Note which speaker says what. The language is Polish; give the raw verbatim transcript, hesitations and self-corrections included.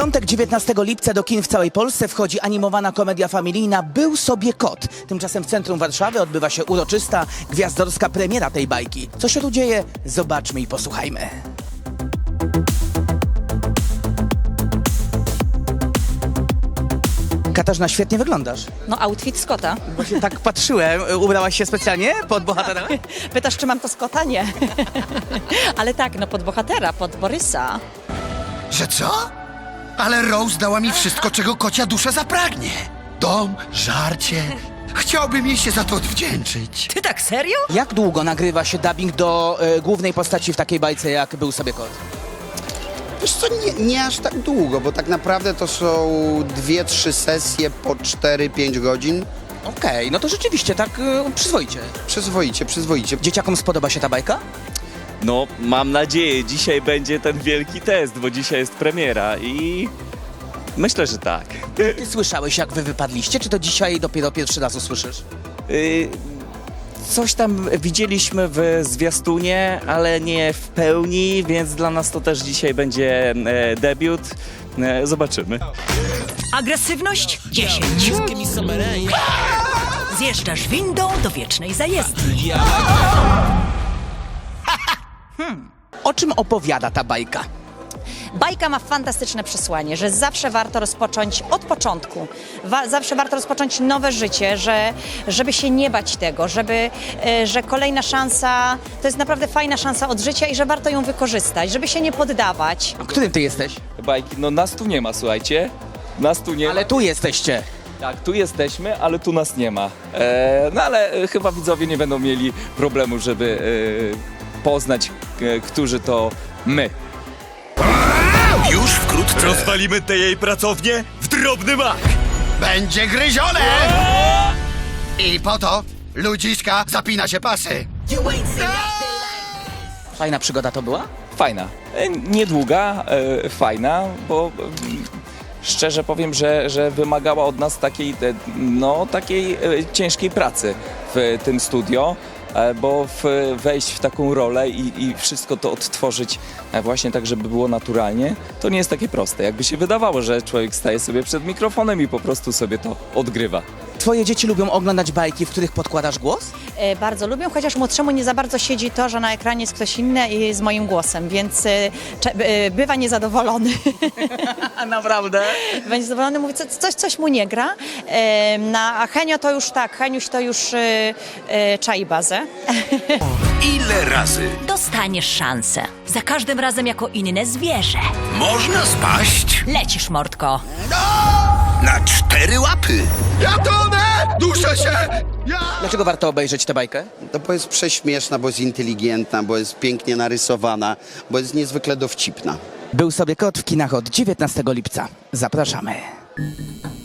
Speaker 1: piątek dziewiętnastego lipca do kin w całej Polsce wchodzi animowana komedia familijna Był sobie kot. Tymczasem w centrum Warszawy odbywa się uroczysta, gwiazdorska premiera tej bajki. Co się tu dzieje? Zobaczmy i posłuchajmy. Katarzyna, świetnie wyglądasz.
Speaker 2: No, outfit z kota.
Speaker 1: Właśnie tak patrzyłem. Ubrałaś się specjalnie pod bohatera?
Speaker 2: Pytasz, czy mam to z kota? Nie. Ale tak, no pod bohatera, pod Borysa.
Speaker 3: Że co? Ale Rose dała mi wszystko, czego kocia dusza zapragnie. Dom, żarcie. Chciałbym jej się za to odwdzięczyć.
Speaker 2: Ty tak serio?
Speaker 1: Jak długo nagrywa się dubbing do e, głównej postaci w takiej bajce, jak Był sobie kot?
Speaker 4: Wiesz co, nie, nie aż tak długo, bo tak naprawdę to są dwie, trzy sesje po cztery pięć godzin.
Speaker 1: Okej, no to rzeczywiście tak e, przyzwoicie.
Speaker 4: Przyzwoicie, przyzwoicie.
Speaker 1: Dzieciakom spodoba się ta bajka?
Speaker 5: No, mam nadzieję, dzisiaj będzie ten wielki test, bo dzisiaj jest premiera i myślę, że tak.
Speaker 1: Ty słyszałeś, jak wy wypadliście, czy to dzisiaj dopiero pierwszy raz usłyszysz?
Speaker 5: Y, Coś tam widzieliśmy w zwiastunie, ale nie w pełni, więc dla nas to też dzisiaj będzie e, debiut. E, zobaczymy.
Speaker 6: Agresywność dziesięć. Zjeżdżasz windą do wiecznej zajezdni.
Speaker 1: O czym opowiada ta bajka?
Speaker 2: Bajka ma fantastyczne przesłanie, że zawsze warto rozpocząć od początku. Wa- zawsze warto rozpocząć nowe życie, że, żeby się nie bać tego, żeby, e, że kolejna szansa to jest naprawdę fajna szansa od życia i że warto ją wykorzystać, żeby się nie poddawać.
Speaker 1: A którym ty jesteś?
Speaker 5: Bajki, no nas tu nie ma, słuchajcie. Nas tu nie
Speaker 1: Ale
Speaker 5: ma.
Speaker 1: tu jesteście.
Speaker 5: Tak, tu jesteśmy, ale tu nas nie ma. E, no ale e, chyba widzowie nie będą mieli problemu, żeby e, poznać, e, którzy to my.
Speaker 3: Już wkrótce
Speaker 7: Rozwalimy tę jej pracownię w drobny mak!
Speaker 3: będzie gryzione! I po to ludziska zapina się pasy.
Speaker 1: Fajna przygoda to była?
Speaker 5: Fajna. E, Niedługa, e, fajna, bo mm, szczerze powiem, że, że wymagała od nas takiej, e, no, takiej e, ciężkiej pracy w tym studio, e, bo w, wejść w taką rolę i, i wszystko to odtworzyć e, właśnie tak, żeby było naturalnie, to nie jest takie proste. Jakby się wydawało, że człowiek staje sobie przed mikrofonem i po prostu sobie to odgrywa.
Speaker 1: Twoje dzieci lubią oglądać bajki, w których podkładasz głos?
Speaker 2: E, bardzo lubią, chociaż młodszemu nie za bardzo siedzi to, że na ekranie jest ktoś inny i z moim głosem, więc e, cze- e, bywa niezadowolony.
Speaker 1: A naprawdę?
Speaker 2: Będzie zadowolony, mówi, co, coś, coś mu nie gra. E, na, a Henio to już tak, Heniuś to już e, e, czai bazę.
Speaker 7: Ile razy
Speaker 6: Dostaniesz szansę. Za każdym razem jako inne zwierzę.
Speaker 7: można spaść
Speaker 6: Lecisz, mordko.
Speaker 7: na cztery łapy?
Speaker 3: Ja tonę! Duszę się! Ja...
Speaker 1: Dlaczego warto obejrzeć tę bajkę?
Speaker 4: No bo jest prześmieszna, bo jest inteligentna, bo jest pięknie narysowana, bo jest niezwykle dowcipna.
Speaker 1: Był sobie kot w kinach od dziewiętnastego lipca. Zapraszamy.